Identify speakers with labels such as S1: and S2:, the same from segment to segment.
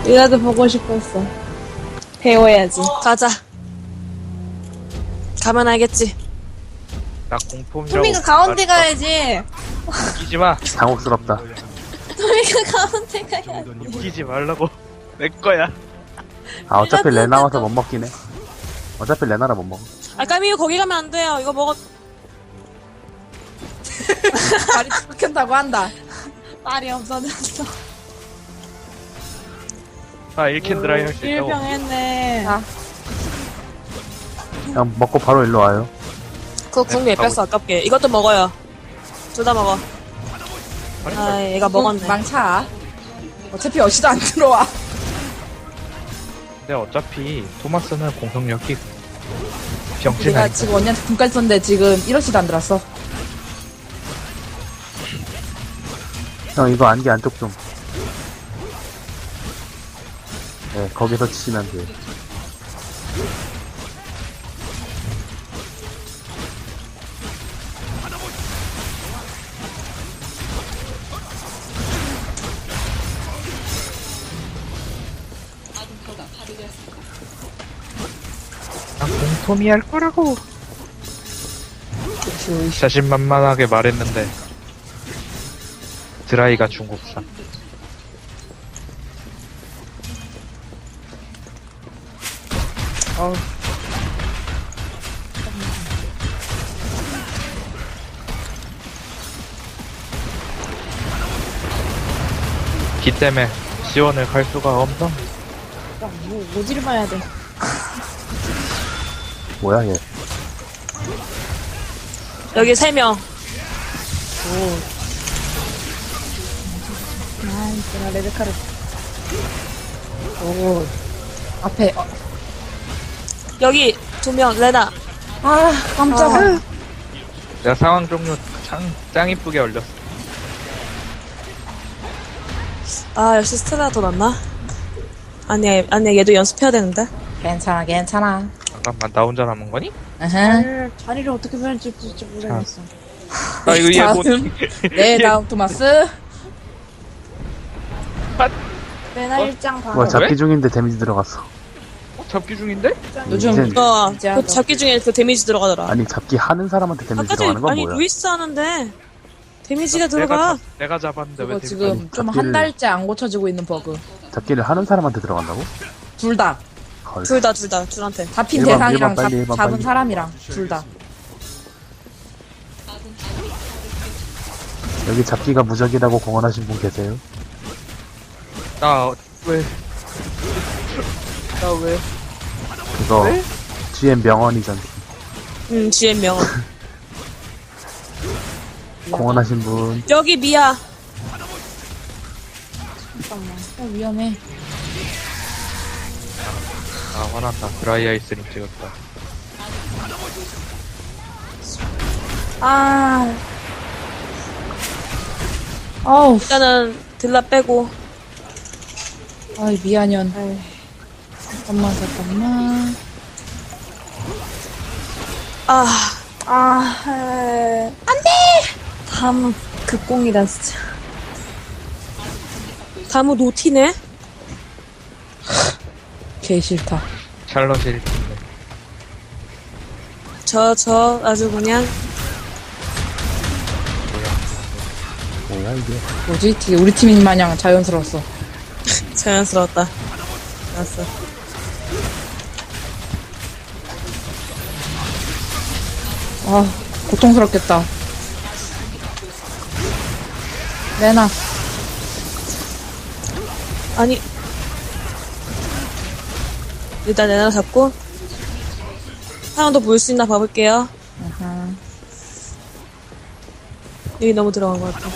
S1: 이라도 보고 싶었어. 배워야지.
S2: 가자. 가면 알겠지.
S3: 나 공폼이라고.
S1: 토미가 가운데 가야지.
S3: 웃기지 마.
S4: 당혹스럽다.
S1: 토미가 가운데 가야지.
S3: 웃기지 말라고. 내 거야.
S4: 아, 어차피 레나 와서 못 먹긴 해. 어차피 레나라 못 먹어.
S2: 아, 까미유 거기 가면 안 돼요. 이거 먹어.
S1: 말이 끊긴다고 한다. 말이 없어졌어.
S3: 아, 1캔 드라이 할 수 있다고.
S1: 1병 했네. 아,
S4: 그냥 먹고 바로 일로 와요.
S2: 그거 궁에 뺐어, 아깝게. 이것도 먹어요. 둘 다 먹어. 아, 얘가 먹었네.
S1: 망차. 어차피 어시도 안 들어와.
S3: 근데 어차피 토마스는 공성력이 병신
S1: 내가
S3: 아니야.
S1: 지금 언니한테 분까지 썼는데 지금 1어시도 안 들었어.
S4: 형, 이거 안개 안쪽 좀. 네, 거기서 치시면 돼요.
S3: 난 공톰이 할 거라고. 자신만만하게 말했는데 드라이가 중국산.
S1: 어우.
S3: 기 때문에 지원을 갈 수가 없어.
S1: 모지를 봐야 돼.
S4: 뭐야, 얘.
S2: 여기 3명.
S1: 제가 레드카를. 오. 앞에,
S2: 여기 2명, 레나.
S1: 아, 깜짝아.
S3: 내가 상황 종료 짱 이쁘게 올렸어.
S2: 아, 역시 스텔라가 더 낫나? 아니야, 얘도 연습해야 되는데.
S1: 괜찮아, 괜찮아.
S3: 잠깐만, 나 혼자 남은 거니?
S1: 으흠.
S2: 자리를 어떻게 변할지 모르겠어.
S3: 아, 이거 얘 뭐.
S1: 다음. 네, 다음 토마스.
S2: 레나 1장 반.
S4: 뭐야, 잡기
S3: 왜?
S4: 중인데 데미지 들어갔어.
S3: 잡기 중인데?
S1: 요즘
S4: 이젠-
S2: 그 잡기 중에 그 데미지 들어가더라.
S4: 아니, 잡기 하는 사람한테 데미지
S2: 아까
S4: 들어가는
S2: 전에,
S4: 건
S2: 아니,
S4: 뭐야?
S2: 루이스 하는데, 데미지가 들어가.
S3: 내가 잡았는데 왜
S1: 그거
S3: 데미지-
S1: 지금
S4: 아니,
S1: 좀
S4: 잡기를-
S1: 한 달째 안 고쳐지고 있는 버그.
S4: 잡기를 하는 사람한테 들어간다고?
S1: 둘 다.
S4: 걸.
S2: 둘한테.
S1: 잡힌
S4: 일반,
S1: 대상이랑
S4: 일반 빨리, 일반
S1: 잡은
S4: 빨리.
S1: 사람이랑 둘 다.
S4: 여기 잡기가 무적이라고 공언하신 분 계세요?
S3: 나 왜? 나 왜?
S4: 그거,
S3: 왜?
S4: GM 명언이잖아.
S2: GM 명언.
S4: 공언하신 분.
S2: 여기 미야.
S1: 위험해.
S3: 아, 화난다. 드라이 아이스림 찍었다.
S1: 아. 어우,
S2: 일단은 딜라 빼고.
S1: 아이, 미안년. 잠깐만.
S2: 다음 극공이다 진짜. 다무 노티네?
S1: 개 싫다.
S3: 샬럿이 1팀인데.
S2: 저 아주 그냥
S4: 뭐야, 이게.
S1: 뭐지? 되게 우리 팀인 마냥 자연스러웠어.
S2: 자연스러웠다. 알았어.
S1: 아, 고통스럽겠다. 레나.
S2: 아니 일단 내나 잡고 하나 더 보일 수 있나 봐볼게요.
S1: 아하.
S2: 여기 너무 들어간 것 같아.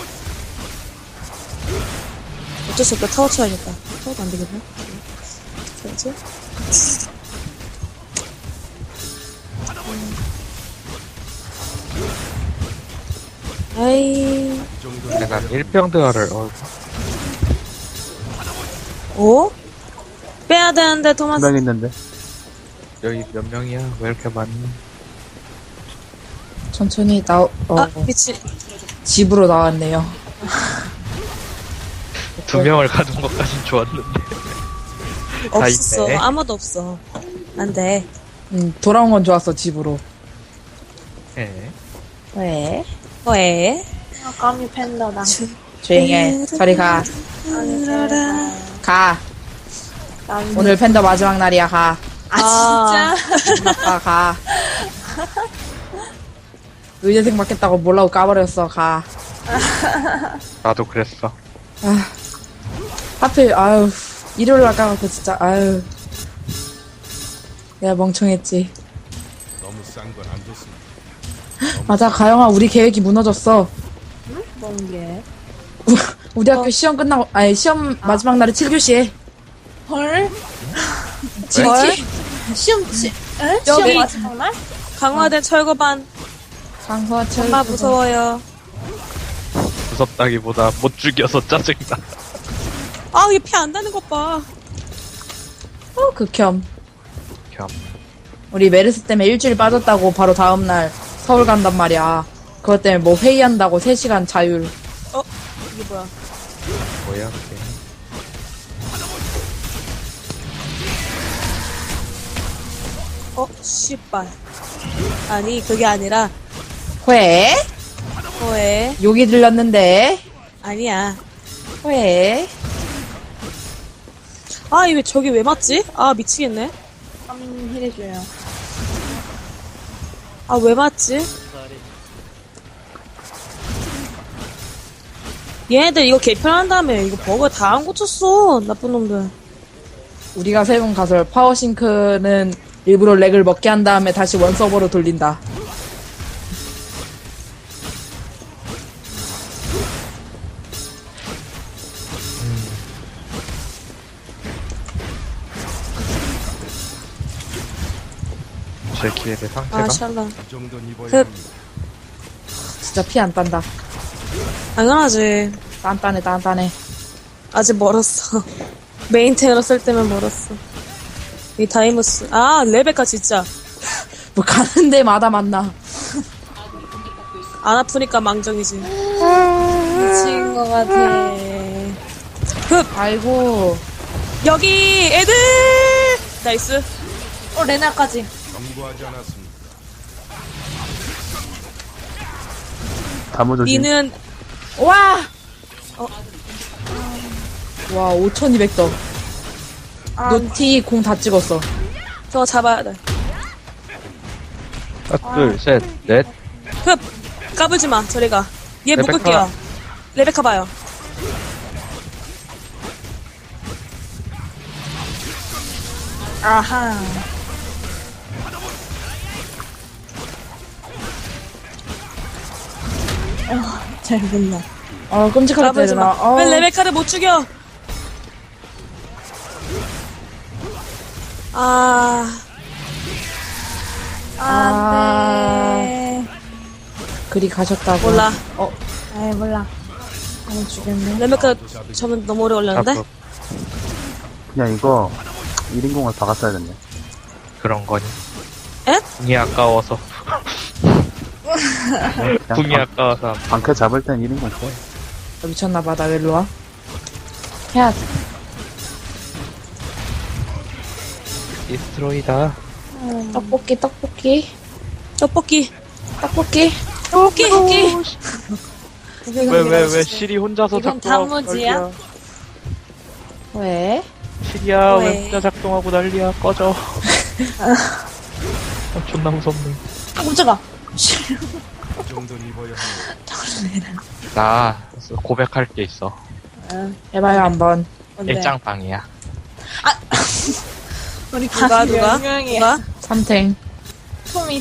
S2: 어쩔 수 없다. 타워 쳐야겠다. 타워도 안 되겠네. 어떻게 하지? 아이,
S3: 내가 1평드화를,
S2: 오? 빼야 되는데, 토마스.
S4: 한 명 있는데.
S3: 여기 몇 명이야? 왜 이렇게 많니?
S1: 천천히
S2: 아, 미치.
S1: 집으로 나왔네요.
S3: 2명을 가둔 것까진 좋았는데.
S2: 없었어.
S3: 있네.
S2: 아무도 없어. 안 돼.
S1: 돌아온 건 좋았어, 집으로.
S3: 예.
S1: 왜?
S2: 왜?
S5: 까미 팬더다.
S1: 조용히 해. 저리 가. 가. 오늘 팬더 마지막 날이야, 가.
S2: 아,
S1: 아빠, 가. 의대생 받겠다고 몰라고 까버렸어, 가.
S3: 나도 그랬어.
S1: 하필, 아유, 일요일 날 까갖고 진짜, 아유. 내가 멍청했지.
S6: 너무 싼 건 안 좋습니다.
S1: 맞아, 가영아, 우리 계획이 무너졌어.
S5: 뭔 게?
S1: 우리 학교 시험 끝나고, 아니, 시험 마지막 날에 7교시에.
S5: 헐?
S1: 지기
S5: 시험 치? 에?
S2: 여기-
S5: 시험 마지막 날?
S2: 강화된 철거반.
S1: 강서철.
S2: 엄마 무서워요.
S3: 무섭다기보다 못 죽여서 짜증나.
S2: 아, 얘 피 안 나는 것 봐.
S1: 극혐.
S3: 겸.
S1: 우리 메르스 때문에 일주일 빠졌다고 바로 다음날 서울 간단 말이야. 그것 때문에 뭐 회의한다고 3시간 자율.
S2: 이게 뭐야?
S3: 뭐야, 그게.
S2: 씨발. 아니, 그게 아니라,
S1: 회?
S2: 왜?
S1: 욕이 들렸는데.
S2: 아니야.
S1: 회?
S2: 아, 이왜 저기 왜 맞지? 아, 미치겠네.
S5: 까미 힐해줘요.
S2: 아, 왜 맞지? 얘네들 이거 개편한 다음에 이거 버그 다 안 고쳤어. 나쁜 놈들.
S1: 우리가 세운 가설 파워싱크는 일부러 렉을 먹게 한 다음에 다시 원 서버로 돌린다.
S3: 제 기획의 상태가.
S2: 아, 샬라.
S6: 이 정도는 입어야
S2: 그-
S6: 합니다.
S1: 진짜 피 안 딴다.
S2: 당연하지.
S1: 딴딴해, 딴딴해.
S2: 아직 멀었어. 메인테너로 쓸 때면 멀었어. 이 다이무스. 아, 레베카 진짜.
S1: 뭐 가는 데마다 만나.
S2: 안 아프니까 망정이지.
S5: 미친 것 같아.
S1: 아이고.
S2: 여기 애들! 나이스.
S5: 레나까지.
S6: 경고하지 않았습니다.
S4: 다무조심.
S2: 니는
S1: 와! 와, 5200더. 노티 공 다 찍었어.
S2: 저거 잡아야 돼.
S3: 하나, 둘, 셋, 넷.
S2: 흡! 까불지 마, 저리 가. 얘
S3: 레베카.
S2: 묶을게요. 레베카 봐요.
S5: 아하. 잘 본다.
S1: 끔찍하게
S2: 까불지
S1: 때리나.
S2: 마. 왜 레베카를 못 죽여? 아,
S1: 아.
S5: 네.
S1: 그리 가셨다고.
S2: 몰라.
S5: 아이, 몰라. 안 죽였네.
S2: 레베카 저는 너무 오래 걸렸는데?
S3: 잡고
S4: 그냥 이거 1인공을 박았어야 됐네.
S3: 그런 거니.
S2: 에?
S3: 궁이 아까워서. 궁이
S4: 그냥
S3: 아까워서.
S4: 방패 잡을 땐 1인공 써.
S1: 미쳤나봐, 나 일로 와. 해야 돼.
S3: 디스트로이다.
S1: 떡볶이, 떡볶이.
S2: 떡볶이.
S1: 떡볶이.
S2: 떡볶이.
S3: 왜, 시리 혼자서
S5: 이건
S3: 작동하고
S5: 단무지야?
S3: 난리야.
S1: 왜?
S3: 시리야,
S2: 왜?
S3: 왜 혼자 작동하고 난리야. 꺼져. 존나 무섭네.
S5: 아, 깜짝아.
S6: 이 정도는 입어야 합니다.
S3: 나 고백할 게 있어.
S1: 해봐요, 한번.
S5: 뭔데?
S3: 일장방이야.
S5: 우리
S2: 누가,
S5: 가족
S2: 누가?
S5: 10명이야.
S2: 누가?
S1: 삼탱.
S5: 토미.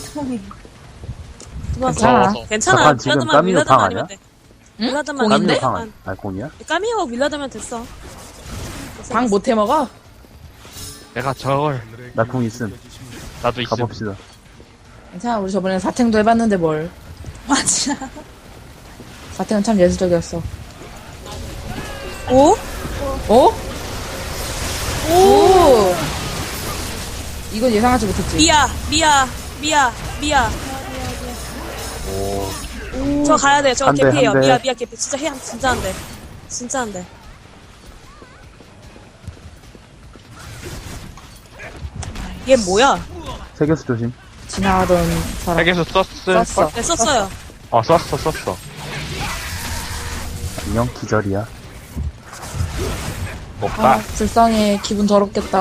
S1: 괜찮아.
S2: 괜찮아.
S4: 잠깐, 지금
S2: 윌라드만,
S4: 까미노
S2: 윌라드만
S4: 방
S2: 아니면
S4: 아니야?
S2: 돼.
S1: 응?
S2: 윌라드만
S1: 공인데?
S2: 아니면
S4: 까미오 방 아니, 공이야?
S2: 까미오가 윌라드면 됐어.
S1: 방 못 해먹어?
S3: 내가 저걸,
S6: 하늘의
S4: 나 궁
S6: 기운이
S4: 있음.
S6: 느껴지십니다.
S3: 나도 있음.
S4: 가봅시다.
S1: 괜찮아, 우리 저번에 사탱도 해봤는데 뭘.
S5: 맞아.
S1: 사탱은 참 예술적이었어.
S2: 오?
S1: 어? 오! 이건 예상하지 못했지.
S2: 미야. 저 가야 돼. 저
S4: 한 대,
S2: 개피예요.
S4: 한 대.
S2: 미야 개피. 진짜 해, 진짜 안 돼. 진짜 안 돼. 얘 뭐야?
S4: 세계수 조심.
S1: 지나가던 사람.
S3: 핵에서 썼을
S1: 썼어.
S2: 네, 썼어요.
S3: 썼어.
S4: 안녕, 기절이야.
S3: 못 가.
S1: 아, 불쌍해. 기분 더럽겠다.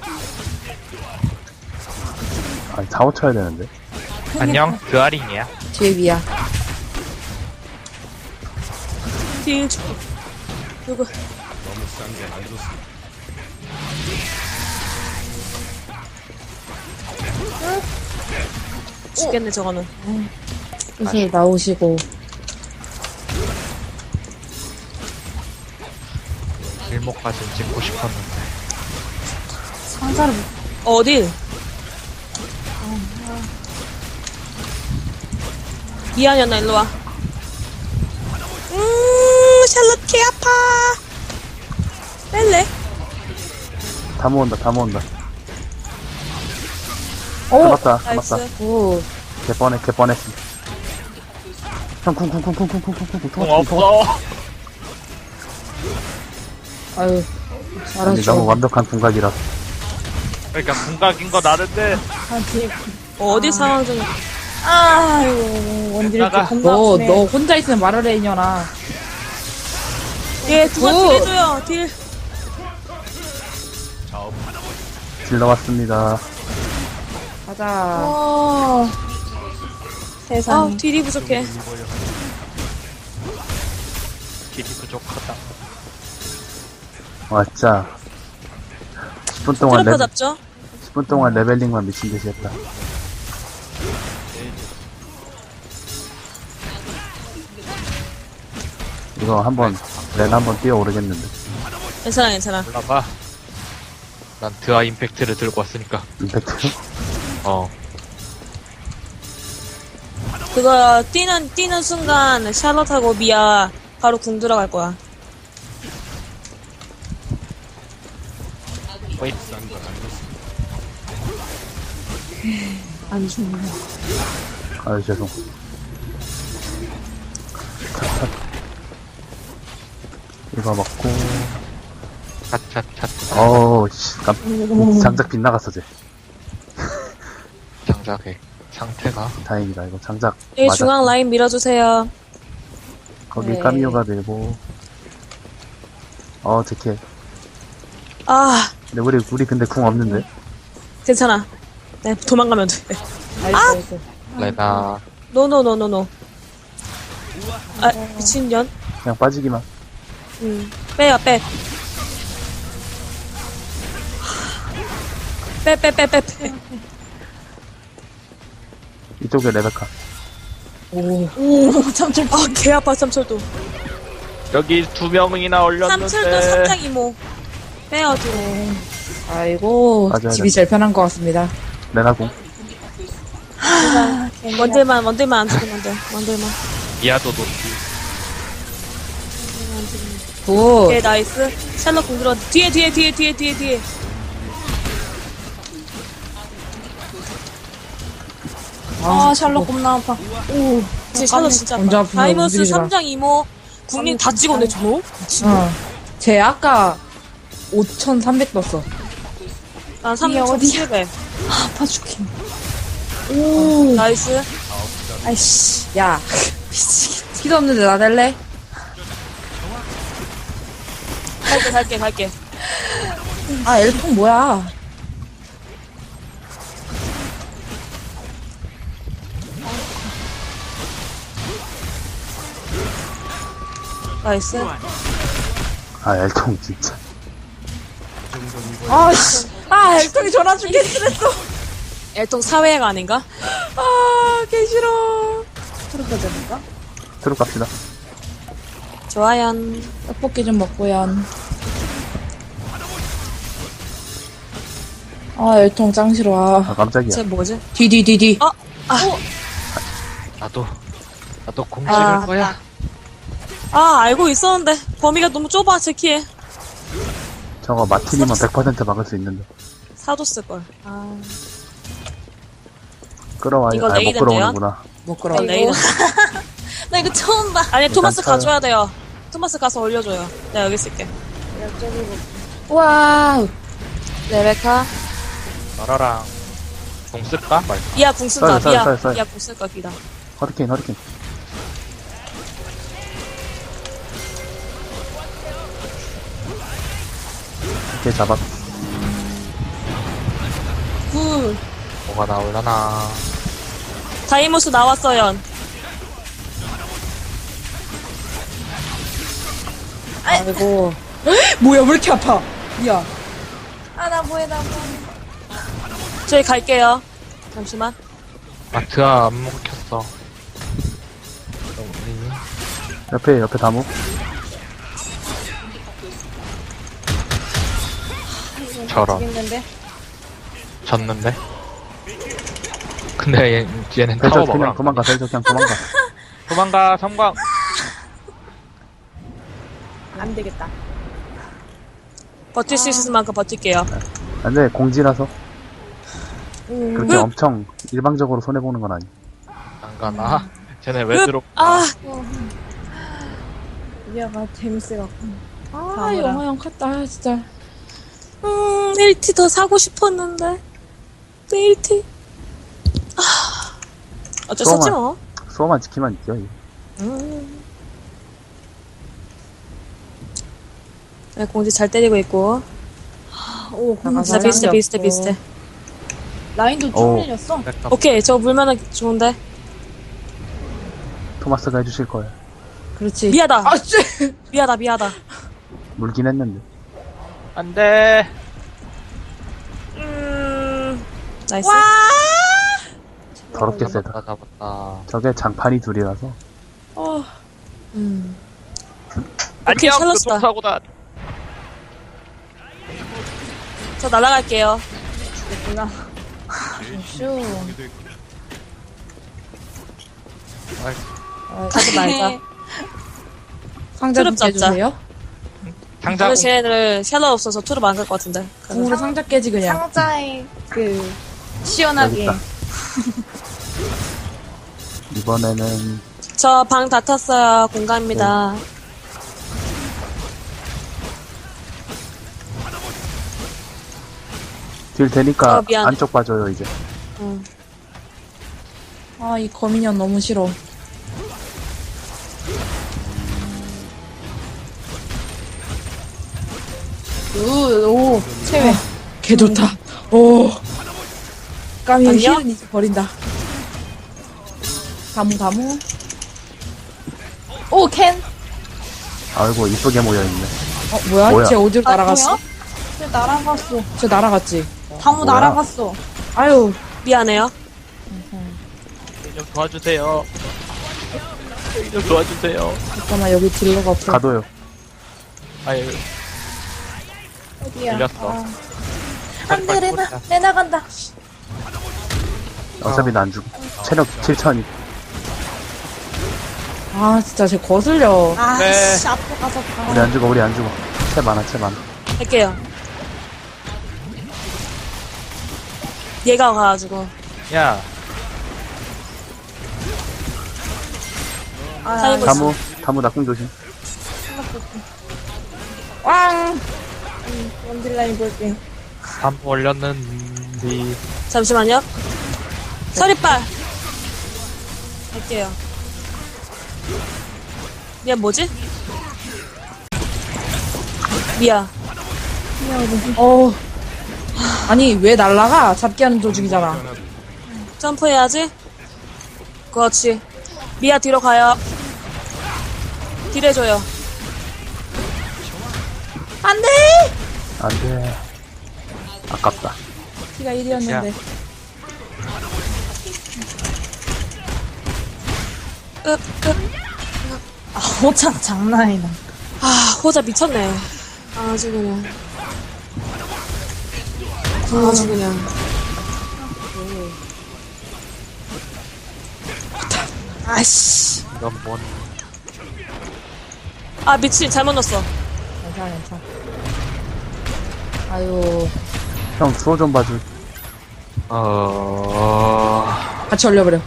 S4: 아니, 사오 쳐야 되는데.
S3: 안녕, 드아링이야.
S1: 뒤에 위야.
S2: 딜. 누구?
S6: 너무 싼 건 안 좋습니다.
S2: 죽겠네, 저거는.
S1: 슬슬 나오시고.
S3: 일목까지 찍고 싶었는데.
S5: 상자를
S2: 어딜? 미안이었나, 일로와. 샬롯 개 아파. 뺄래?
S4: 다 모은다.
S1: 오!
S4: 잡았다.
S2: 나이스.
S1: 오.
S4: 개뻔했어. 형, 쿵쿵쿵쿵쿵쿵쿵쿵쿵.
S3: 공 없어.
S1: 아유.
S4: 아니, 너무
S1: 잘하죠.
S4: 완벽한 궁각이라.
S3: 그러니까 궁각인 거 나는데.
S5: 아 뒤에
S2: 어디 상황 중에.
S5: 아이고 원딜 이렇게
S3: 나가.
S5: 겁나
S1: 너
S5: 아프네.
S1: 혼자 있으면 말을 해, 이년아.
S2: 예, 누가
S1: 굿.
S2: 딜 해줘요, 딜.
S4: 질러 왔습니다.
S1: 가자.
S5: 어 세상
S2: 아, 딜이 부족해.
S3: 길이 부족하다.
S4: 와, 진짜. 10분 동안
S2: 트로퍼 잡죠?
S4: 10분 동안 레벨링만 미친 듯이 했다. 이거 렌 한번 뛰어오르겠는데.
S2: 괜찮아.
S3: 올라가. 난 드아 임팩트를 들고 왔으니까.
S4: 임팩트?
S2: 그거, 뛰는 순간, 샬롯하고 미아, 바로 궁 들어갈 거야.
S6: 싼 건 안 좋습니다.
S5: 안 죽네.
S4: 아유, 죄송. 이거 먹고,
S3: 찻.
S4: 어우, 씨, 장작 빗나갔어, 쟤.
S3: 장작의 상태가.
S4: 다행이다, 이거 장작.
S2: 여기
S4: 맞아.
S2: 중앙 라인 밀어주세요.
S4: 거기
S1: 네.
S4: 까미오가 들고. 제캐.
S2: 아,
S4: 근데 우리 근데 궁 없는데?
S2: 괜찮아. 네, 도망가면 돼.
S1: 나이스.
S3: 레나.
S2: 노노노노노. 아, 미친년.
S4: 그냥 빠지기만.
S2: 빼요, 빼. 빼.
S4: 이쪽에 레베카.
S1: 오.
S5: 오 참철
S2: 아, 개 아파, 삼철도.
S3: 여기 2명이나 올렸는데.
S2: 삼철도 삼장 이모. 빼요, 뒤로.
S1: 아이고.
S4: 맞아요.
S1: 집이 제일 편한 것 같습니다.
S4: 레나궁.
S2: 원딜만 안 죽으면 돼. 원딜만.
S3: 미아도 놓지.
S1: 굿.
S2: 오케이, 나이스. 샬럿 공 들어. 뒤에.
S5: 아 샬롯 겁나 아파. 오
S2: 진짜 샬럿 진짜
S1: 먼저
S2: 아파.
S1: 아프면
S2: 다이버스
S1: 움직이지 마.
S2: 3장 이모. 국민 다 찍었네, 저거?
S1: 쟤 아까 5,300 떴어.
S2: 난
S5: 이게
S2: 3,700.
S5: 아파 죽겠네. 오
S2: 나이스.
S5: 아이씨
S1: 야. 피도 없는데 나 될래?
S2: 갈게.
S1: 아, 엘통 뭐야.
S2: 나이스.
S4: 아, 엘통 진짜.
S1: 아, 씨. 아, 엘통이 전화 중계 스트레스.
S2: 엘통 사회가 아닌가?
S1: 아, 개 싫어.
S5: 트로퍼 잡을까?
S4: 트로 갑시다.
S2: 좋아요.
S1: 떡볶이 좀 먹고요. 아, 엘통 짱 싫어.
S4: 아, 깜짝이야.
S2: 쟤 뭐지?
S1: 디디디디.
S3: 나도 공 찍을 거야.
S2: 아, 알고 있었는데. 범위가 너무 좁아, 제키에.
S4: 저거 마틴이면 100% 막을 수 있는데.
S2: 사줬을걸. 아,
S4: 끌어와요.
S2: 이거
S4: 못
S2: 레이던데요?
S4: 끌어오는구나.
S1: 못 끌어.
S2: 레이더.
S5: 나 이거 처음 봐.
S2: 아니, 토마스
S4: 쳐요.
S2: 가줘야 돼요. 토마스 가서 올려줘요. 내가 여기 있을게.
S1: 와우. 레베카.
S3: 너라랑 공 쓸까? 말까?
S2: 미아 궁 쓴다.
S4: 써요.
S2: 미아 궁 쓸까 기다.
S4: 허리케인. 이렇게 잡았.
S5: 굿.
S3: 뭐가 나올라나.
S2: 다이모스 나왔어요.
S1: 아이고. 뭐야, 왜 이렇게 아파? 미안.
S5: 아, 나 뭐해.
S2: 저희 갈게요. 잠시만.
S3: 마트가 안 먹혔어.
S4: 옆에 다무.
S3: 저런.
S5: 죽겠는데?
S3: 졌는데? 근데 얘는
S4: 벨저
S3: 타워
S4: 그냥
S3: 먹으라.
S4: 도망가.
S3: 도망가, 성광.
S5: 안 되겠다.
S2: 버틸 수 있을 만큼 버틸게요.
S4: 안돼, 공지라서. 그렇게 엄청 일방적으로 손해보는 건 아니.
S3: 안 가나? 쟤네 왜 들어?
S2: 아,
S5: 미아가 재밌어갖고.
S1: 아,
S5: 다음이라.
S1: 영화형 같다, 진짜.
S2: 1티 더 사고 싶었는데. 또 1티. 아, 어쩔 수 없지 뭐.
S4: 수호만 지키면 있죠. 이거.
S2: 네, 공지 잘 때리고 있고.
S5: 오,
S1: 나가서
S2: 진짜 비슷해,
S1: 사람이
S2: 비슷해,
S1: 없고.
S2: 비슷해.
S5: 라인도 쭉
S4: 오.
S5: 밀렸어.
S2: 오케이, 저 물면은 좋은데.
S4: 토마스가 해주실 거예요.
S1: 그렇지.
S2: 미하다.
S1: 아, 씨!
S2: 미하다.
S4: 물긴 했는데.
S3: 안 돼.
S2: 나이스.
S4: 더럽게 세다.
S3: 잡았다.
S4: 저게 장판이 둘이라서.
S2: 오케이, 샬럿이다.
S3: 교통사고다.
S2: 저 날아갈게요.
S5: 슈.
S2: 가지 말자.
S1: 상자 좀
S2: 트럭 잡자.
S1: 깨주세요.
S3: 상자
S2: 오늘 쟤네들 샬럿 없어서 투르 안갈 것 같은데.
S1: 궁으로 상자 깨지, 그냥.
S5: 상자에 그
S4: 여기
S5: 시원하게.
S4: 있다. 이번에는
S2: 저 방 다 탔어요. 공감입니다.
S4: 딜 되니까
S2: 미안.
S4: 안쪽 봐줘요 이제.
S1: 아, 이 거미년 너무 싫어.
S5: 오, 체외.
S1: 개 좋다. 오. 까미
S2: 아니야?
S1: 힐은 이제 버린다. 다무.
S5: 오, 캔.
S4: 아이고 이쁘게 모여있네.
S1: 뭐야?
S4: 뭐야?
S1: 쟤 어디로 날아갔어?
S5: 뭐야? 쟤 날아갔어.
S1: 쟤 날아갔지?
S5: 다무
S4: 뭐야?
S5: 날아갔어.
S1: 아유,
S2: 미안해요.
S3: 좀 도와주세요. 좀 도와주세요.
S1: 잠깐만, 여기 딜러가 없어.
S4: 가도요.
S3: 아유,
S5: 어디야?
S3: 밀렸어.
S5: 안 돼, 레나 간다.
S4: 어차피 난 죽어. 체력 7천이.
S1: 아, 진짜 쟤 거슬려.
S5: 아,
S3: 네.
S5: 씨, 앞으로 가서 가.
S4: 우리 안 죽어. 채 많아.
S2: 할게요. 얘가 가가지고.
S3: 야,
S2: 타이머
S4: 다무 낙궁 조심.
S5: 왕! 원딜라인 볼게.
S3: 한 올렸는데.
S2: 잠시만요. 서리빨. 할게요. 미안, 뭐지? 미야.
S1: 아니, 왜 날아가? 잡기 하는 도중이잖아.
S2: 점프해야지. 그렇지. 미야, 뒤로 가요. 딜해줘요.
S1: 안 돼!
S4: 안 돼. 아깝다.
S1: 키가 1이었는데.
S5: 아, 호창 장난이다.
S2: 아, 호자 미쳤네. 아주 그냥. 아주 그냥.
S5: 아씨.
S3: 이건 뭔.
S2: 아, 미친. 잘못 넣었어.
S1: 괜찮아. 아유,
S4: 형 수호 좀 봐줄.
S1: 같이 올려버려.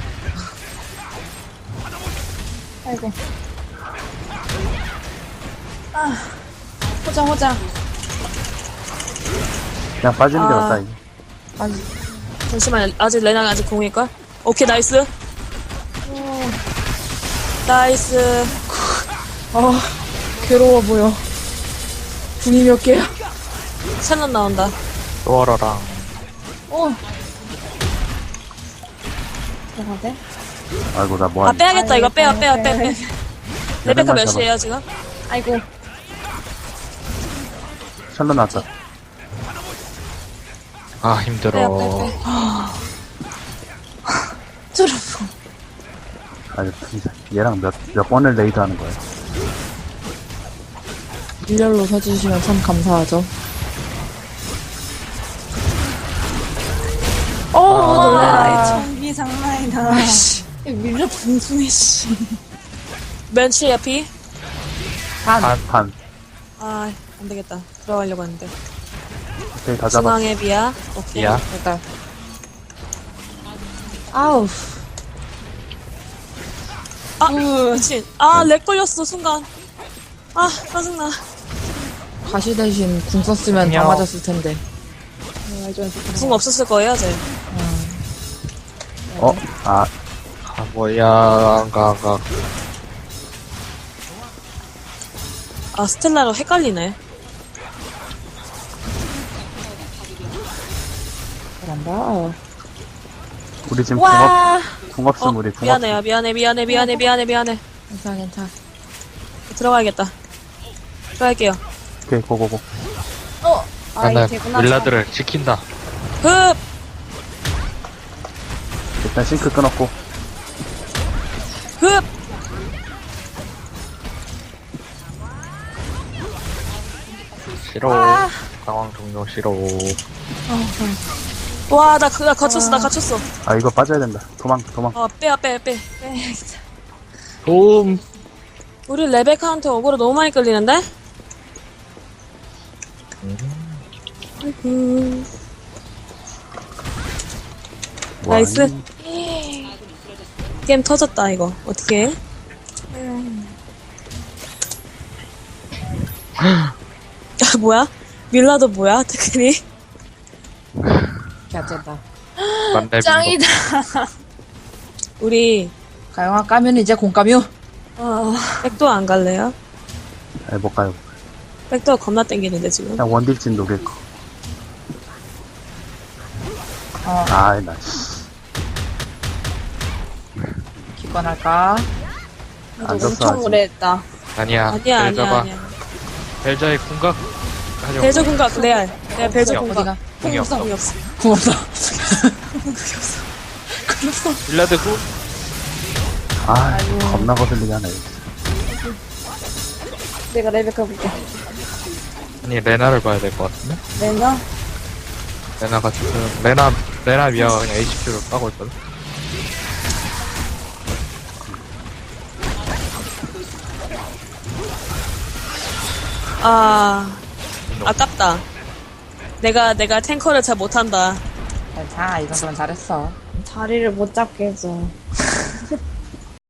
S5: 아이고. 아, 호장.
S4: 그냥 빠지는 게
S2: 아.
S4: 낫다 이제.
S1: 아니,
S2: 잠시만, 아직 레나가 아직 공일걸? 오케이, 나이스. 나이스.
S1: 괴로워 보여. 궁이 몇 개야?
S2: 샬럿 나온다.
S3: 또어러랑.
S5: 뭐가 돼?
S4: 아이고, 나
S2: 아,
S4: 뭐하니.
S2: 빼야겠다. 이거 빼야.
S5: 빼.
S2: 레베카 몇
S4: 잡아.
S2: 시에요, 지금?
S5: 아이고.
S4: 샬롯 나왔다.
S3: 아, 힘들어.
S2: 빼.
S5: 쭈르.
S4: 아니, 진짜. 얘랑 몇 번을 레이드 하는 거야.
S1: 일렬로 서주시면 참 감사하죠.
S5: 와, 전기 장난이다. 밀려 분수네, 씨.
S2: 멘치 야피?
S4: 반.
S2: 아, 안 되겠다. 들어가려고 했는데.
S4: 오케이, 다 잡아.
S2: 중앙에 비야. 오케이.
S3: 야.
S1: 일단. 아우.
S2: 아, 미친. 아, 렉 걸렸어, 순간. 아, 짜증나.
S1: 가시 대신 궁 썼으면 다
S3: 안녕.
S1: 맞았을 텐데.
S2: 궁 없었을 거예요, 쟤.
S4: 아,
S3: 아, 뭐야, 가.
S2: 아, 스텔라로 헷갈리네.
S1: 잘한다.
S4: 우리 지금
S5: 와.
S4: 궁 없음, 우리 궁
S2: 미안해요,
S4: 없음.
S2: 미안해.
S1: 괜찮아.
S2: 들어가야겠다. 들어갈게요.
S4: 오케이, 고고고.
S3: 나는
S5: 이게 되구나.
S3: 윌라드를 지킨다.
S2: 흡!
S4: 일단 싱크 끊었고.
S2: 흡!
S3: 싫어. 상황 종료 싫어.
S2: 와, 나 갇혔어.
S4: 아, 이거 빠져야 된다. 도망.
S2: 빼.
S3: 도움.
S2: 우리 레베카한테 어그로 너무 많이 끌리는데? 나이스.
S4: 뭐하니?
S2: 게임 터졌다, 이거. 어떻게 해? 뭐야? 밀라도 뭐야? 테크닉?
S1: 개쩐다.
S3: 만렙인
S5: 짱이다.
S2: 우리,
S1: 가영아 까면 이제 공 까뮤.
S2: 백도 안 갈래요?
S4: 아니, 못 가요.
S2: 백도 겁나 땡기는데, 지금.
S4: 그냥 원딜진 녹일 거. 아이, 나, 씨.
S1: 기권할까?
S4: 안 졌어,
S5: 엄청
S4: 아직.
S5: 오래 했다.
S3: 아니야.
S2: 아니야.
S3: 벨자의 궁각. 하려고.
S2: 벨저 궁각, 레알. 레알 벨저
S3: 궁이
S2: 궁각.
S1: 어디가?
S3: 궁이 없어.
S2: 궁이 없어.
S1: 궁 없어.
S3: 윌라드 궁.
S4: 아, 겁나 거슬리게 하네.
S5: 내가 레베카 볼게.
S3: 아니, 레나를 봐야 될 것 같은데?
S5: 내가?
S3: 레나가 지금, 레나 미아가 그냥 HQ를 까고 있거든?
S2: 아, 아깝다. 내가 탱커를 잘 못한다.
S1: 자, 이 정도면 잘했어.
S5: 자리를 못 잡게 해줘.